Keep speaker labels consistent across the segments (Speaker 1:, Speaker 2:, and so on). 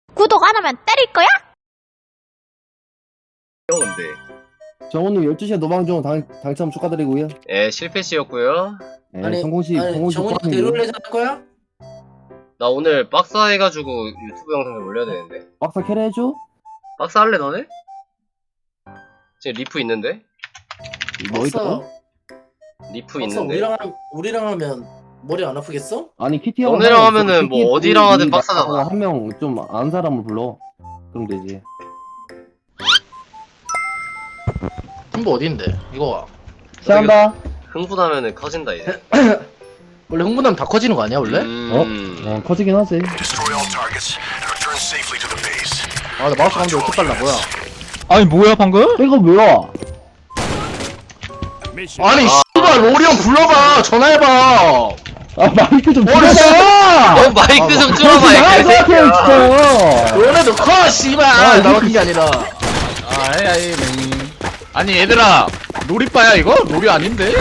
Speaker 1: 구독 안 하면 때릴 거야?
Speaker 2: 근데
Speaker 3: 정훈님 12시에 노방종 당첨 축하드리고요.
Speaker 2: 예 실패시였고요.
Speaker 3: 네,
Speaker 4: 아니,
Speaker 3: 성공시
Speaker 4: 정훈이
Speaker 3: 포함이고요.
Speaker 4: 대롤레 할 거야?
Speaker 2: 나 오늘 박사 해가지고 유튜브 영상 좀 올려야 되는데.
Speaker 3: 박사 캐리 해줘?
Speaker 2: 박사 할래 너네? 지금 리프 있는데?
Speaker 3: 뭐 있어?
Speaker 2: 리프
Speaker 4: 박사
Speaker 2: 있는데.
Speaker 4: 우리랑 하면 머리 안 아프겠어?
Speaker 3: 아니 키티 형
Speaker 2: 너네랑 하면은 뭐 어디랑 하든 박사잖아.
Speaker 3: 한명 좀 아는 사람을 불러. 그럼 되지.
Speaker 4: 흥부 어디인데? 이거
Speaker 3: 시작한다.
Speaker 2: 흥분하면은 커진다 이제.
Speaker 4: 원래 흥분하면 다 커지는 거 아니야 원래?
Speaker 3: 커지긴 하지.
Speaker 4: 아 나 마우스 감도 왜 이렇게 빨라 뭐야?
Speaker 5: 아니 뭐야 방금?
Speaker 3: 이거 뭐야?
Speaker 4: 아니 씨발 로리 형 불러봐 전화해봐.
Speaker 3: 아 마이크 좀
Speaker 4: 뭐야?
Speaker 3: 줄여봐.
Speaker 2: 너 마이크 좀 줄여봐 이
Speaker 3: 나갈 것 같아요
Speaker 2: 개새끼야.
Speaker 3: 진짜.
Speaker 4: 너네도 커 씨발 나 같은 게 아니라.
Speaker 5: 아이 아니 얘들아 놀이빠야 이거? 놀이 아닌데?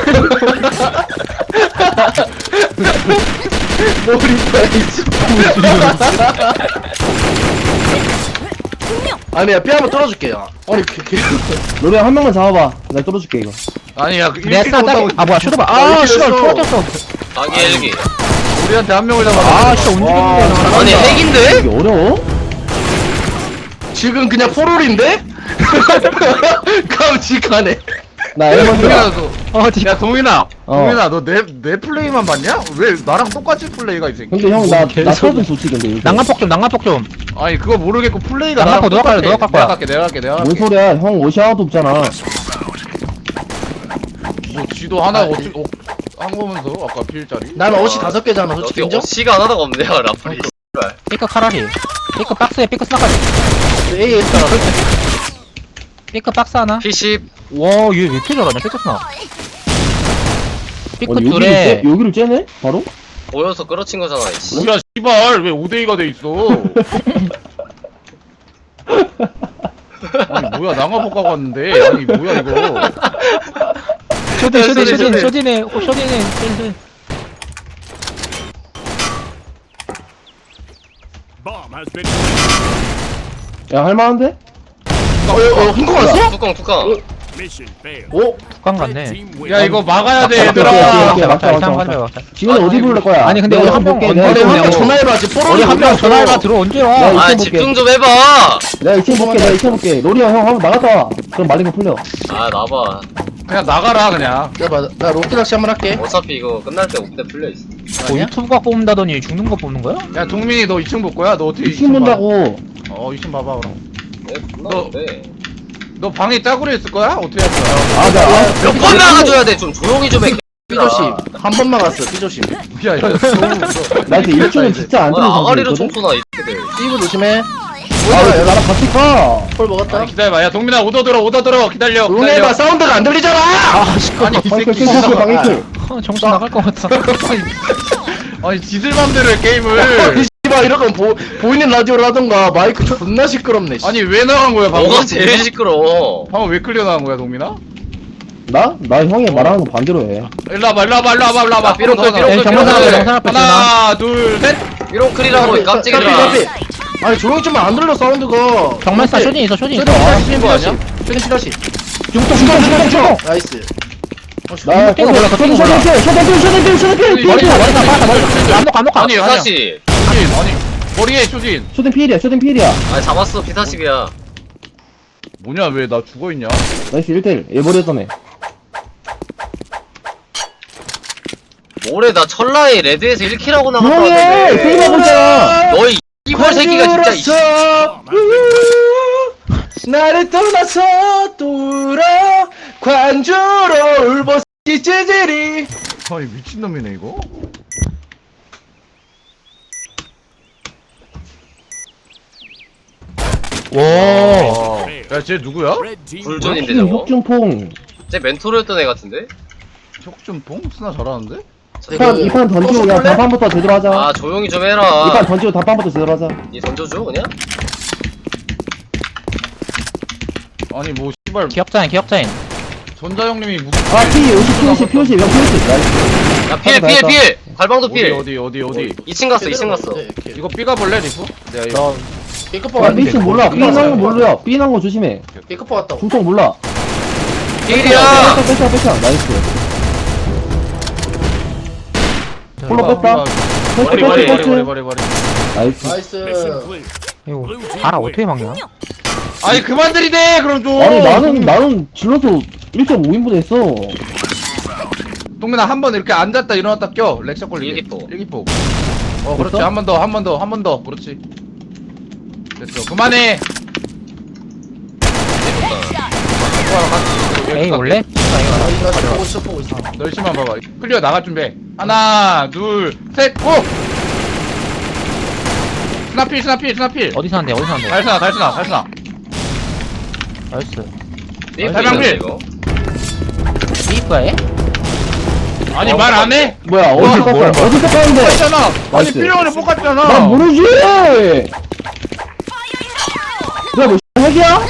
Speaker 4: 아니야 뼈 한번 뚫어줄게요. 아니
Speaker 3: 노래 한 명만 잡아봐. 내가 뚫어줄게 이거.
Speaker 5: 아니야
Speaker 3: 네,
Speaker 5: 이렇게 못하고
Speaker 3: 아 뭐야 쇼도봐.
Speaker 4: 아, 씨발,
Speaker 3: 터졌어.
Speaker 2: 자기 헬기.
Speaker 5: 우리한테 한 명을 잡아.
Speaker 3: 아 진짜 움직이는데.
Speaker 2: 아니 핵인데?
Speaker 3: 이게 어려워?
Speaker 4: 지금 그냥 포롤인데? 깜찍하네.
Speaker 3: 나
Speaker 5: 동민아
Speaker 3: 엘먼드.
Speaker 5: 야 동민아
Speaker 3: 어.
Speaker 5: 동민아 너 내 플레이만 봤냐? 왜 나랑 똑같이 플레이가 이 새끼?
Speaker 3: 근데 형나 차좀 좋지 근데. 요새.
Speaker 6: 낭만폭 좀.
Speaker 5: 아니 그거 모르겠고 플레이가
Speaker 6: 낭만폭
Speaker 5: 나랑
Speaker 6: 너가
Speaker 5: 똑같아.
Speaker 6: 갈 거야.
Speaker 5: 내가 갈게
Speaker 3: 뭔 소리야? 형 옷이 하나도 없잖아.
Speaker 5: 뭐 쥐도 하나 한 거면서 아까 필짜리
Speaker 4: 난 옷이 5개잖아 솔직히
Speaker 2: 어떻게
Speaker 4: 인정?
Speaker 2: 어시가 하나도 없네요 라플이.
Speaker 6: 삐끗 카라리. 삐끗 박스에 삐끗 스나까지.
Speaker 4: 에이 했잖아.
Speaker 6: 삐끗 박스 하나.
Speaker 2: P10
Speaker 6: 와, 얘 왜 이렇게 잘하냐? 삐끗 스나. 삐끗
Speaker 3: 여기를
Speaker 6: 둘에.
Speaker 3: 여기를 째네? 바로?
Speaker 2: 보여서 끌어친 거잖아 이씨.
Speaker 5: 뭐야 씨발 왜 5대2가 돼 있어 아니 뭐야 낭화복 가고 왔는데 아니 뭐야 이거
Speaker 6: 쇼딘에.
Speaker 3: 야 할만한데?
Speaker 4: 흥분 왔어?
Speaker 2: 뚜껑.
Speaker 4: 오?
Speaker 6: 북한 갔네.
Speaker 5: 야 이거 막아야 돼
Speaker 3: 오케이,
Speaker 5: 얘들아
Speaker 3: 오케이. 맞다,
Speaker 6: 이상
Speaker 3: 맞다.
Speaker 6: 가지 마.
Speaker 3: 지금 어디 부를 거야?
Speaker 6: 아니, 근데
Speaker 3: 내가
Speaker 6: 우리 한
Speaker 3: 볼게.
Speaker 6: 명
Speaker 3: 내가
Speaker 4: 우리
Speaker 3: 이층
Speaker 4: 한명
Speaker 3: 볼게.
Speaker 4: 전화해봐지 포롤이
Speaker 6: 우리 한 명
Speaker 4: 어디
Speaker 6: 전화해봐
Speaker 4: 갔어?
Speaker 6: 들어 언제
Speaker 3: 야,
Speaker 6: 와?
Speaker 3: 이거
Speaker 2: 아
Speaker 3: 볼게.
Speaker 2: 집중 좀 해봐.
Speaker 3: 내가 2층 볼게. 내가 2층 볼게. 로리 형 한번 나갔다 와. 그럼 말린 거 풀려.
Speaker 2: 아 나봐.
Speaker 5: 그냥 나가라 그냥
Speaker 4: 나 롯데 낚시 한번 할게.
Speaker 2: 어차피 이거 끝날 때 옥대 풀려 있어.
Speaker 6: 뭐 유튜브가 뽑는다더니 죽는 거 뽑는 거야?
Speaker 5: 야 동민이 너 2층 볼 거야? 너 어떻게
Speaker 3: 2층 본다고.
Speaker 5: 2층 봐봐 그럼
Speaker 2: 네, 끝나는데.
Speaker 5: 너 방에 짜구리 있을 거야? 어떻게 할 거야?
Speaker 3: 아, 나
Speaker 2: 몇 번 나가줘야 돼. 좀 조용히 좀 해.
Speaker 4: 삐조심. 한 번만 갔어 삐조심.
Speaker 5: 야
Speaker 3: 나 이제 1층은 진짜 안 들어서.
Speaker 2: 아가리로 총쏘나 이 새끼들.
Speaker 4: 삐부 조심해.
Speaker 3: 아, 왜 나랑 같이 가?
Speaker 4: 폴 먹었다.
Speaker 5: 기다려봐 야 동민아 오더 들어 기다려
Speaker 4: 조용히 해봐 사운드가 안 들리잖아.
Speaker 5: 아니 이
Speaker 3: 방클
Speaker 5: 새끼
Speaker 3: 방클 방클.
Speaker 6: 정신 나갈 것 같아.
Speaker 5: 아니 지들 맘대로 해 게임을
Speaker 4: 씨발 이런 건 보이는 라디오를 하던가 마이크 존나 시끄럽네. 씨.
Speaker 5: 아니 왜 나간 거야 방금?
Speaker 2: 너가 제일 시끄러워.
Speaker 5: 방금 왜 클리어 나간 거야 동민아?
Speaker 3: 나 형이 말하는 거 반대로 해.
Speaker 5: 일로 와봐
Speaker 2: 삐롱 클, 삐롱 클,
Speaker 6: 정말
Speaker 2: 삐롱 클.
Speaker 6: 정상 앞에
Speaker 5: 하나 둘셋
Speaker 2: 삐롱 클이라고 깜찍이라.
Speaker 4: 아니 조용히 좀 안 들려 사운드가.
Speaker 6: 정말사 쇼딘 있어 쇼딘 있어.
Speaker 4: 쇼딘 거 아니야? 쇼딘 시다시.
Speaker 3: 중통.
Speaker 4: 나이스.
Speaker 3: 나
Speaker 6: 땡거 몰라, 땡거 몰라. 감독
Speaker 5: 아니
Speaker 2: 피사시.
Speaker 5: 아니 머리에 쇼진
Speaker 3: 쇼딩 필이야.
Speaker 2: 아 잡았어 피사십이야.
Speaker 5: 뭐냐 왜 나 죽어있냐?
Speaker 3: 나이스 1대1 일버렸던 애.
Speaker 2: 올해 나 철라에 레드에서 1킬하고 나갔다
Speaker 3: 조용히 해! 게임 하고
Speaker 2: 왔는데.
Speaker 3: 있잖아.
Speaker 2: 너희 이볼 새끼가 진짜 이씨.
Speaker 4: 나를 떠나서 돌아 관주로 울보시 찌질이.
Speaker 5: 아니 미친놈이네 이거?
Speaker 6: 와.
Speaker 5: 야쟤 누구야?
Speaker 2: 불존인데 저거.
Speaker 3: 혁중퐁.
Speaker 2: 쟤 멘토르였던 애 같은데?
Speaker 5: 혁준봉? 스나 잘하는데?
Speaker 3: 이판 던지고 야 다판부터 제대로 하자.
Speaker 2: 아 조용히 좀
Speaker 3: 이판
Speaker 2: 해라.
Speaker 3: 던지고 다판부터 제대로 하자.
Speaker 2: 니 던져줘 그냥?
Speaker 5: 아니 뭐 씨발
Speaker 6: 기억자인.
Speaker 5: 전자형님이 무슨
Speaker 3: 아 P50 명 P50 나이스.
Speaker 2: 야 필. 갈방도 필.
Speaker 5: 어디
Speaker 2: 2층 갔어.
Speaker 5: 이거 삐가 볼래 리프? 내가 이거
Speaker 1: B급포
Speaker 3: 야,
Speaker 1: 왔는데.
Speaker 3: B층 몰라. B 난 거 몰라. B 난 거 조심해.
Speaker 1: B급포 왔다고.
Speaker 3: 중통 몰라.
Speaker 2: 필이야.
Speaker 3: 뺐다. 나이스. 홀로 뺐다.
Speaker 5: 머리.
Speaker 3: 나이스.
Speaker 1: 나이스.
Speaker 6: 이거 알아 어떻게 막냐?
Speaker 5: 아니 그만 들이대 그럼 좀.
Speaker 3: 아니, 나는 질러서 1.5인분 했어.
Speaker 5: 동민아 한 번 이렇게 앉았다 일어났다 껴. 렉샷 걸리게.
Speaker 2: 일기포.
Speaker 5: 그렇지.
Speaker 3: 됐어?
Speaker 5: 한 번 더. 그렇지. 됐어. 그만해.
Speaker 6: 에이 원래?
Speaker 1: 나 지금 보고 있어.
Speaker 5: 널씨만 봐봐. 클리어 나갈 준비. 하나, 둘, 셋, 고! 스나필.
Speaker 6: 어디서 한대?
Speaker 5: 달스나.
Speaker 6: 나이스.
Speaker 2: 필 이거.
Speaker 6: 삐거에?
Speaker 5: 아니 말 안 해?
Speaker 3: 뭐야, 어디서
Speaker 6: 뭘
Speaker 3: 깠어? 어디서 깠는데?
Speaker 5: 했잖아. 아니
Speaker 3: 나이스.
Speaker 5: 필요원에 뽑았잖아.
Speaker 3: 난 모르지! 내가 뭐, 핵이야?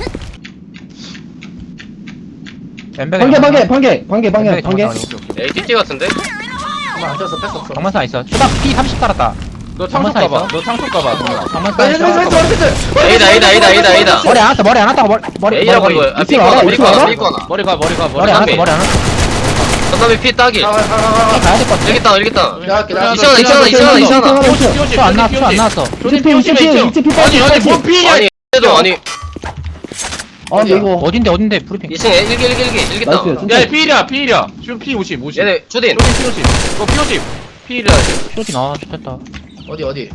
Speaker 3: 방개.
Speaker 2: ATT 같은데?
Speaker 1: 잠깐만 안 쳤어 뺐었어.
Speaker 6: 장만사 있어. 초당 P30 깔았다.
Speaker 5: 너 창속
Speaker 6: 장만사
Speaker 5: 가봐.
Speaker 6: 있어?
Speaker 5: 너 창속 가봐.
Speaker 6: 장만사 있어.
Speaker 2: A다.
Speaker 6: 머리 안 왔다고 머리.
Speaker 2: A라고 이거. 아,
Speaker 3: 이층 알아?
Speaker 2: 삐거나.
Speaker 3: 이층 알아?
Speaker 5: 머리 가.
Speaker 6: 머리 안 왔어.
Speaker 2: 그다음에 피 따기.
Speaker 1: 가.
Speaker 6: 가야 될 것 같아.
Speaker 2: 일기다.
Speaker 1: 내가 할게.
Speaker 2: 이천원.
Speaker 6: 안 나왔어.
Speaker 5: 아니 뭔 피냐?
Speaker 2: 아니 얘도 아니
Speaker 3: 아, 근데 이거.
Speaker 6: 어딘데 브리핑.
Speaker 2: 2층에 일기다.
Speaker 3: 나이스.
Speaker 5: 야 P이야. 지금 P50.
Speaker 2: 얘네 초딘.
Speaker 5: 너 P50. P이야.
Speaker 6: 쇼지 나 좋겠다.
Speaker 1: 어디?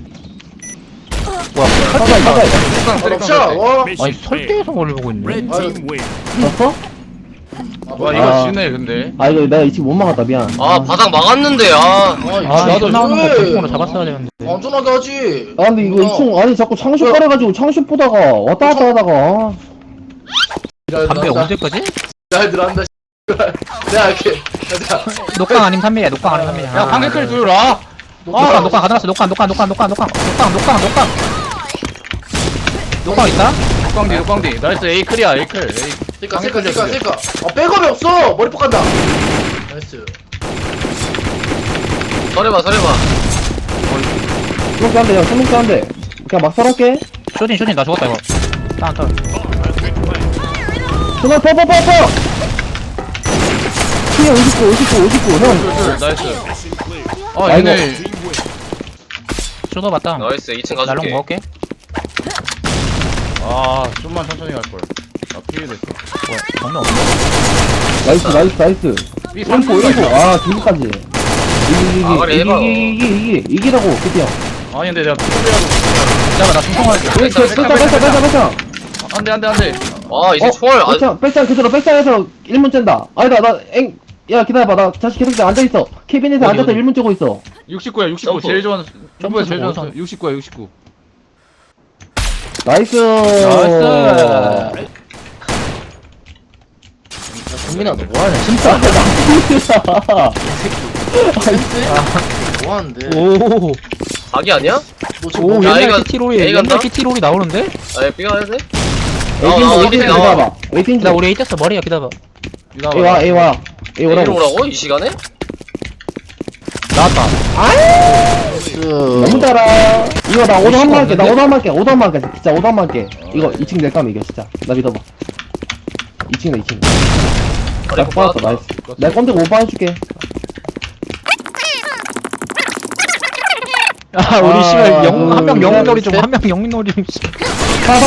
Speaker 3: 가까이.
Speaker 1: 럭셔. 와.
Speaker 6: 아니 설대에서 멀리 보고 있네.
Speaker 3: 봤어?
Speaker 5: 와 이거 지네 근데.
Speaker 3: 아, 이거 내가 2층 못 막았다, 미안.
Speaker 2: 아 바닥 막았는데 아.
Speaker 6: 나도 나오는 거 보통으로 잡았어야 되는데.
Speaker 1: 안전하게 하지.
Speaker 3: 아, 근데 이거 2층, 아니, 자꾸 창쇼 깔아가지고 창쇼 보다가 왔다 갔다 하다가.
Speaker 6: 담배 언제까지?
Speaker 1: 잘 들어간다. 내가 할게. 자.
Speaker 6: 녹강 아님 3mm야. 녹강 아님 3mm.
Speaker 5: 야 방개클 조여라.
Speaker 6: 녹강 가져왔어. 녹강 있다?
Speaker 5: 녹광디. 나이스 A클이야 A클.
Speaker 1: 쓸까. 아 백업이 없어. 머리 뽑간다. 나이스.
Speaker 2: 서래봐.
Speaker 3: 스모크 한 대, 야, 스모크 한 대. 그냥 막 설할게.
Speaker 6: 쇼진 나 죽었다 이거. 다운.
Speaker 3: 스모크 퍼! 피해 59, 형.
Speaker 5: 나이스. 아
Speaker 3: 아이고.
Speaker 5: 얘네.
Speaker 6: 쇼도 봤다.
Speaker 2: 나이스 2층
Speaker 6: 날롱
Speaker 2: 가줄게.
Speaker 6: 먹을게.
Speaker 5: 아 좀만 천천히 갈 걸. 나 피해 됐어.
Speaker 6: 뭐야? 정면 없네.
Speaker 3: 나이스.
Speaker 5: B
Speaker 3: 1포.
Speaker 5: 3포.
Speaker 3: 아, 뒤까지.
Speaker 2: 아, 그래, 해봐.
Speaker 3: 이기라고, 드디어.
Speaker 5: 아니 근데 내가 피해라도.
Speaker 6: 잠깐만 나 중통할게.
Speaker 3: 뺐자.
Speaker 5: 안돼.
Speaker 2: 아 이제 총알 아
Speaker 3: 백장 그대로 백장에서 1문 쨘다. 아니다, 야, 기다려봐. 나 다시 계속 앉아있어. 캐비넷에
Speaker 6: 어디,
Speaker 3: 앉아서
Speaker 6: 어디?
Speaker 3: 1문 째고 있어.
Speaker 5: 69야 69
Speaker 2: 점프.
Speaker 5: 제일 좋아하는. 점프가 제일
Speaker 6: 점프
Speaker 5: 좋아하는. 69야 69.
Speaker 3: 나이스.
Speaker 1: 정민아 너 뭐하냐?
Speaker 3: 진짜, 나이스야.
Speaker 1: 뭐하는데?
Speaker 6: 오.
Speaker 2: 자기 아니야?
Speaker 1: 너 지금
Speaker 6: 오
Speaker 1: 뭐-
Speaker 2: 야,
Speaker 6: 옛날
Speaker 2: 이거
Speaker 6: 키티롤이
Speaker 2: A가
Speaker 6: 옛날
Speaker 2: 나?
Speaker 6: 키티롤이 나오는데?
Speaker 2: 아 B가 해야 돼?
Speaker 3: 웨이팅
Speaker 2: 나와.
Speaker 3: 기다려봐. 웨이팅
Speaker 6: 나 우리 A 떴어 머리야 기다려봐.
Speaker 3: A 와. A
Speaker 2: A로
Speaker 3: 오라고.
Speaker 2: 오라고? 이 시간에?
Speaker 6: 나왔다.
Speaker 3: 너무 달아. 이거 나 오더 한번 할게. 오더 한번 할게. 진짜 오더 한번 할게. 이거 2층 낼 까면 이겨, 진짜. 나 믿어봐. 2층이다, 2층. 나 뽑았어, 나이스. 내가 건드고 오빠 해줄게.
Speaker 6: 아 우리
Speaker 3: 아,
Speaker 6: 씨발 한명 영웅놀이 좀
Speaker 1: 셋.
Speaker 6: 한 명 영웅놀이 좀. 씨.
Speaker 3: 가.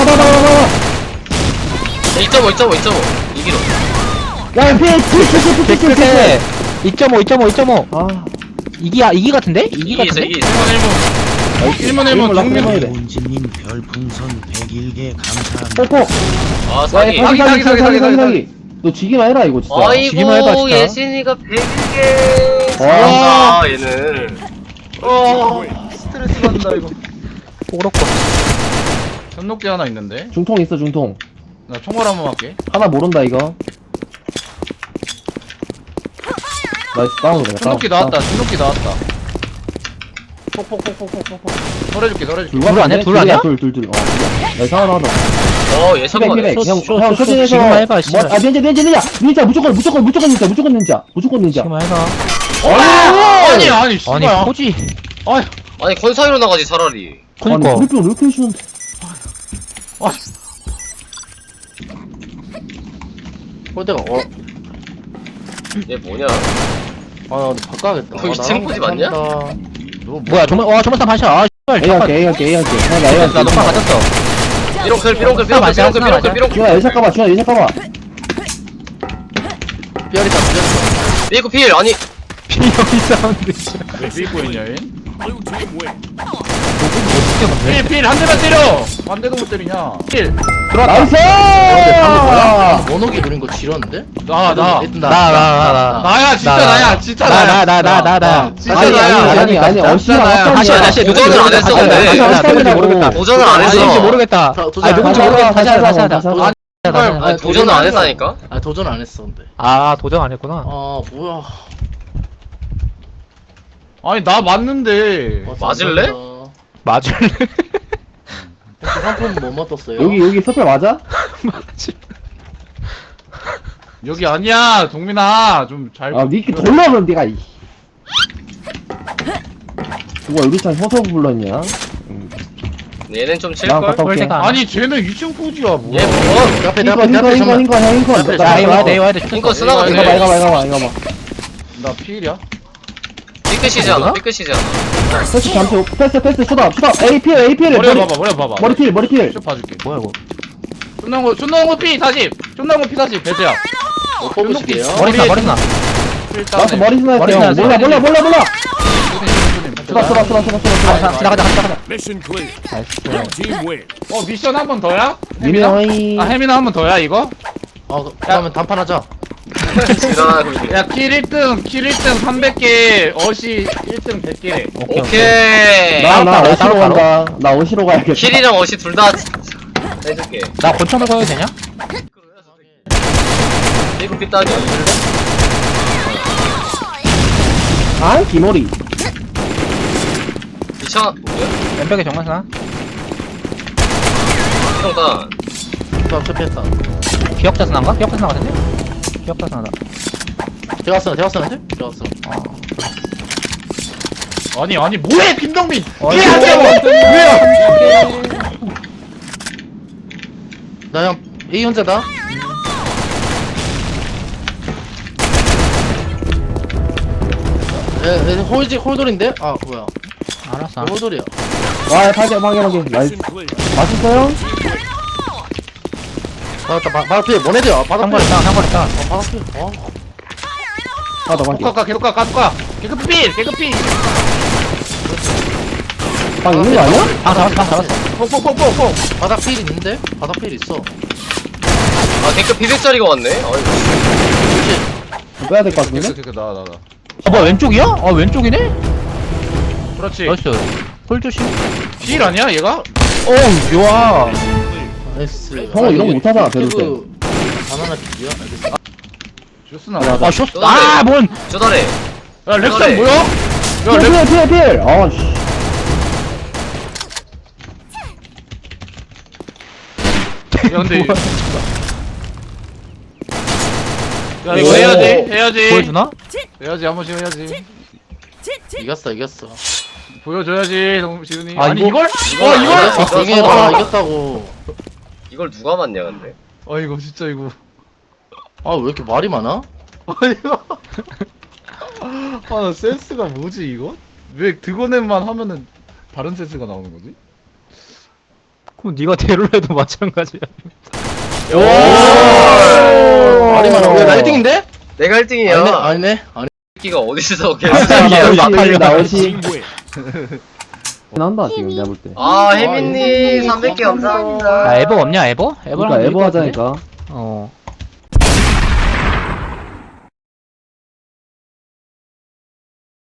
Speaker 2: 2.5 이기로
Speaker 3: 야, 피해.
Speaker 6: 끝에 2.5.
Speaker 3: 아,
Speaker 6: 이기 같은데? 이기
Speaker 2: 이기
Speaker 6: 같은데?
Speaker 5: 1문 1문
Speaker 3: 라 돼.
Speaker 7: 본진님 별풍선 101개 감사합니다.
Speaker 3: 뽀뽀.
Speaker 2: 아
Speaker 3: 야,
Speaker 2: 사기
Speaker 3: 사기. 너 지기만 해라, 이거 진짜.
Speaker 6: 지기만 해봐,
Speaker 2: 아이고
Speaker 6: 진짜.
Speaker 2: 예신이가 100개
Speaker 3: 와.
Speaker 2: 잘한다 얘는
Speaker 5: 스트레스 받는다 이거.
Speaker 6: 오락고.
Speaker 5: 전녹기 하나 있는데.
Speaker 3: 중통 있어, 중통.
Speaker 5: 나 총알 한번 할게.
Speaker 3: 하나 모른다, 이거. 나이스, 다운으로 내가.
Speaker 5: 전녹기 나왔다. 전녹기 나왔다. 덜해줄게.
Speaker 6: 둘 아니야? 둘 아니야?
Speaker 3: 둘. 나이스, 하나.
Speaker 2: 어 예상만 해
Speaker 3: 피백. 형,
Speaker 6: 쇼,
Speaker 3: 쇼진에서.
Speaker 6: 지금만 해봐, 씨발.
Speaker 3: 아, 닌자. 무조건 닌자.
Speaker 6: 지금 해봐.
Speaker 5: 아니 씨발.
Speaker 6: 아니 포지.
Speaker 2: 아니 건사이로 나가지 차라리
Speaker 6: 그니까.
Speaker 3: 우리 왜 이렇게 해주는데.
Speaker 1: 홀대가
Speaker 2: 얘 뭐냐?
Speaker 1: 아 바꿔야겠다.
Speaker 2: 거기 챔프지 맞냐?
Speaker 6: 뭐야 조만상 반샷 아 씨발
Speaker 3: A 할게 A 할게 A 할게 하나 A 할게
Speaker 6: 나 녹화 맞았어
Speaker 2: 삐롱클 삐롱클
Speaker 6: 스나 맞아,
Speaker 2: 삐롱클
Speaker 6: 스나
Speaker 2: 삐롱클
Speaker 6: 맞아.
Speaker 2: 삐롱클
Speaker 3: 준아 예샷 까봐 준아 예샷 까봐
Speaker 1: 삐아리다
Speaker 2: 삐고 필 아니
Speaker 6: 비형 사운드
Speaker 5: 왜 삐고 있냐 얘?
Speaker 6: 어떻게
Speaker 5: 필한 대만 때려. 한 대도 못 때리냐? 필.
Speaker 3: 나이스
Speaker 1: 원옥이 노린 거 지렸는데?
Speaker 5: 나. 나야 진짜 나야 진짜 나야.
Speaker 6: 나
Speaker 5: 진짜
Speaker 3: 아니
Speaker 5: 나야.
Speaker 3: 아니 어시야
Speaker 6: 다시
Speaker 2: 도전을 안 했어, 근데.
Speaker 6: 모르겠다
Speaker 2: 도전을 안
Speaker 6: 아닌지
Speaker 2: 했어.
Speaker 6: 모르겠다
Speaker 1: 도전
Speaker 6: 아
Speaker 1: 안
Speaker 6: 누군지
Speaker 1: 했어.
Speaker 6: 모르겠다 다시 하자
Speaker 3: 다시 하자.
Speaker 2: 아니 도전을 안 했다니까?
Speaker 1: 아 도전 안 했어 근데.
Speaker 6: 아 도전 안 했구나
Speaker 1: 아 뭐야.
Speaker 5: 아니 나 맞는데.
Speaker 2: 맞을래?
Speaker 6: 맞을래?
Speaker 1: 상품 뭐 맞았어요?
Speaker 3: 여기 스펠 맞아?
Speaker 5: 여기 아니야 동민아 좀 잘.
Speaker 3: 아 니키 돌려면 니가 이 누가 유리창 혀서 불렀냐?
Speaker 2: 얘는 좀
Speaker 3: 나
Speaker 2: 칠걸?
Speaker 3: 갔다 올게
Speaker 6: 꼴대가
Speaker 5: 아니 쟤는 2층 포지야
Speaker 2: 얘
Speaker 5: 뭐야?
Speaker 2: 뭐?
Speaker 1: 앞에
Speaker 3: 흰거
Speaker 6: 야 이거 와야 돼 이거 와야 돼
Speaker 2: 핑거 쓰나가
Speaker 3: 이거 봐
Speaker 2: 돼.
Speaker 3: 이거 봐 이거 봐
Speaker 5: 나 필이야?
Speaker 2: 삐끗이잖아 삐끗이잖아.
Speaker 3: 패스 쏘다 APL
Speaker 5: 머리 봐봐.
Speaker 3: 머리필
Speaker 5: 쭉 봐줄게.
Speaker 6: 뭐야 이거
Speaker 5: 쫀나온 거 피 40. 쫀나온 거 피 40. 배트야.
Speaker 1: 뽑으시게요.
Speaker 6: 머리 나
Speaker 3: 나도 머리 스나
Speaker 6: 머리
Speaker 3: 할게요
Speaker 6: 스나
Speaker 3: 몰라 쏘다
Speaker 6: 지나가자
Speaker 8: Mission clear.
Speaker 6: 나이스
Speaker 8: Blue team win.
Speaker 5: 미션 한 번 더야?
Speaker 3: 미나이
Speaker 5: 아 혜민아 한 번 더야 이거?
Speaker 1: 그러면 단판하자.
Speaker 2: 지나가고 있네.
Speaker 5: 야 킬 1등 300개 어시 1등 100개.
Speaker 2: 오케이.
Speaker 3: 나
Speaker 6: 따로
Speaker 3: 어시로
Speaker 6: 따로.
Speaker 3: 간다 나 어시로 가야겠다
Speaker 2: 킬이랑 어시 둘 다 해줄게.
Speaker 6: 나 권총을 꺼야 되냐?
Speaker 2: 삐고 삐 따기.
Speaker 3: 아 기머리
Speaker 2: 미쳐. 뭐야?
Speaker 6: 왼벽에 정면사
Speaker 2: 삐롱다.
Speaker 1: 또 실패했다.
Speaker 6: 기억자 스나인가? 기억자 스나 같은데? 기억자 스나다
Speaker 1: 대각선 한테? 대각선.
Speaker 5: 아니 뭐해 김동민?
Speaker 6: 어이,
Speaker 1: 나 그냥 A 혼자다. 홀돌인데? 아 뭐야?
Speaker 6: 알았어
Speaker 1: 홀돌이야.
Speaker 3: 와 파괴 나이스
Speaker 8: Mission clear.
Speaker 3: 맛있어요?
Speaker 1: 받았다. 바닥필 뭐네들야? 바닥필.
Speaker 6: 상거리다
Speaker 1: 바닥필.
Speaker 3: 하나 더 파괴
Speaker 5: 계속 가. 개급필.
Speaker 3: 방 있는 거 아니야?
Speaker 6: 방 잡았어
Speaker 5: 폭폭폭폭폭.
Speaker 1: 바닥필 있는데? 바닥필 있어.
Speaker 2: 아 댓글 200짜리가 왔네. 아이고.
Speaker 3: 빼야 될 것 같은데?
Speaker 5: 나.
Speaker 6: 뭐야 왼쪽이야? 아 왼쪽이네?
Speaker 5: 그렇지.
Speaker 6: 나이스 홀 조심
Speaker 5: 필 아니야 얘가?
Speaker 6: 어우 좋아
Speaker 1: 나이스.
Speaker 3: 형은 이런 거 못하잖아, 배울 때.
Speaker 1: 바나나 필이야? 알겠어.
Speaker 5: 주스나.
Speaker 3: 맞아.
Speaker 6: 아 쇼트 아뭔
Speaker 2: 쪼다래.
Speaker 5: 야 렉션
Speaker 2: 그래.
Speaker 5: 뭐야? 야 렉.
Speaker 3: 필 아씨
Speaker 5: 야 근데 야 이거 해야지
Speaker 6: 보여주나?
Speaker 5: 해야지 한 번씩 해야지
Speaker 1: 이겼어.
Speaker 5: 보여줘야지 지훈이
Speaker 6: 아,
Speaker 5: 아니
Speaker 6: 이거?
Speaker 5: 이걸?
Speaker 2: 이거
Speaker 1: 이게 봐 이겼다고.
Speaker 2: 이걸 누가 맞냐 근데.
Speaker 5: 이거 진짜 이거
Speaker 1: 아 왜 이렇게 말이 많아?
Speaker 5: 아나 센스가 뭐지 이거? 왜 드고넷만 하면은 다른 센스가 나오는 거지?
Speaker 6: 그럼 네가 대를 해도 마찬가지야
Speaker 1: 말이 많아. 왜나 1등인데?
Speaker 2: 내가 1등이야.
Speaker 1: 아니네.
Speaker 2: 새끼가 어디서
Speaker 3: 나 어시
Speaker 8: Team win.
Speaker 3: 난다 지금 내가 볼때
Speaker 2: 아 혜민님 300개 감사합니다.
Speaker 6: 아 에버 없냐 에버? 에버랑
Speaker 3: 그러니까 에버 하자니까
Speaker 6: 어